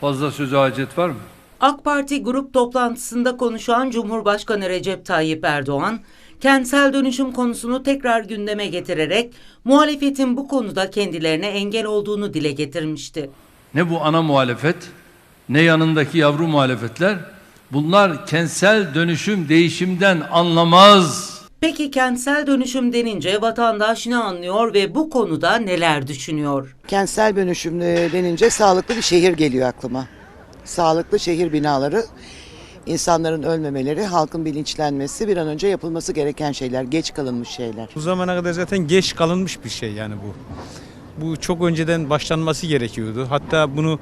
Fazla söze hacet var mı? AK Parti grup toplantısında konuşan Cumhurbaşkanı Recep Tayyip Erdoğan, kentsel dönüşüm konusunu tekrar gündeme getirerek muhalefetin bu konuda kendilerine engel olduğunu dile getirmişti. Ne bu ana muhalefet, ne yanındaki yavru muhalefetler, bunlar kentsel dönüşüm değişimden anlamaz. Peki kentsel dönüşüm denince vatandaş ne anlıyor ve bu konuda neler düşünüyor? Kentsel dönüşüm denince sağlıklı bir şehir geliyor aklıma. Sağlıklı şehir binaları, insanların ölmemeleri, halkın bilinçlenmesi, bir an önce yapılması gereken şeyler, geç kalınmış şeyler. Bu zamana kadar zaten geç kalınmış bir şey yani bu. Bu çok önceden başlanması gerekiyordu. Hatta bunu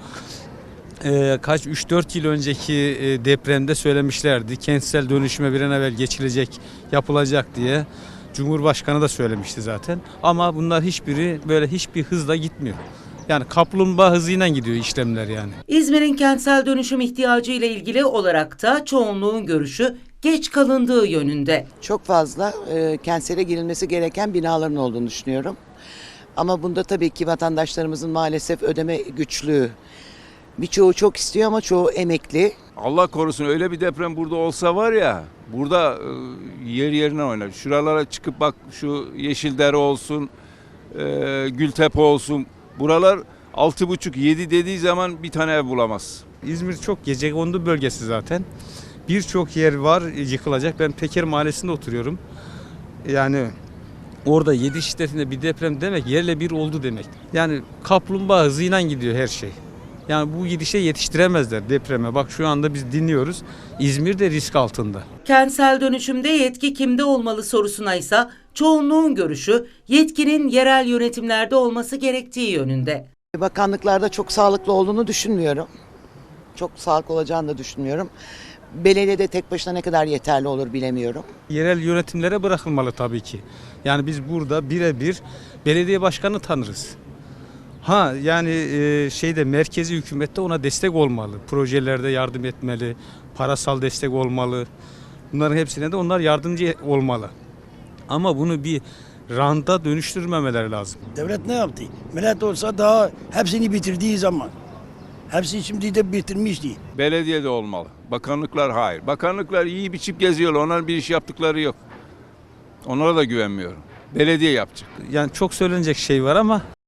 3-4 yıl önceki depremde söylemişlerdi. Kentsel dönüşüme bir an evvel geçilecek, yapılacak diye. Cumhurbaşkanı da söylemişti zaten. Ama bunlar hiçbiri böyle hiçbir hızla gitmiyor. Yani kaplumbağa hızıyla gidiyor işlemler yani. İzmir'in kentsel dönüşüm ihtiyacı ile ilgili olarak da çoğunluğun görüşü geç kalındığı yönünde. Çok fazla kentsele girilmesi gereken binaların olduğunu düşünüyorum. Ama bunda tabii ki vatandaşlarımızın maalesef ödeme güçlüğü. Birçoğu çok istiyor ama çoğu emekli. Allah korusun öyle bir deprem burada olsa var ya, burada yer yerine oynar. Şuralara çıkıp bak, şu Yeşildere olsun, Gültepe olsun. Buralar 6,5-7 dediği zaman bir tane ev bulamaz. İzmir çok gecekondu bölgesi zaten. Birçok yer var yıkılacak. Ben Peker Mahallesi'nde oturuyorum. Yani orada 7 şiddetinde bir deprem demek yerle bir oldu demek. Yani kaplumbağa hızıyla gidiyor her şey. Yani bu gidişe yetiştiremezler depreme. Bak şu anda biz dinliyoruz. İzmir de risk altında. Kentsel dönüşümde yetki kimde olmalı sorusuna ise çoğunluğun görüşü yetkinin yerel yönetimlerde olması gerektiği yönünde. Bakanlıklarda çok sağlıklı olduğunu düşünmüyorum. Çok sağlıklı olacağını da düşünmüyorum. Belediyede tek başına ne kadar yeterli olur bilemiyorum. Yerel yönetimlere bırakılmalı tabii ki. Yani biz burada birebir belediye başkanı tanırız. Yani merkezi hükümette ona destek olmalı. Projelerde yardım etmeli, parasal destek olmalı. Bunların hepsine de onlar yardımcı olmalı. Ama bunu bir ranta dönüştürmemeleri lazım. Devlet ne yaptı? Millet olsa daha hepsini bitirdiği zaman. Hepsini şimdi de bitirmişti. Belediyede olmalı. Bakanlıklar hayır. Bakanlıklar iyi biçip geziyorlar. Onlar bir iş yaptıkları yok. Onlara da güvenmiyorum. Belediye yapacak. Yani çok söylenecek şey var ama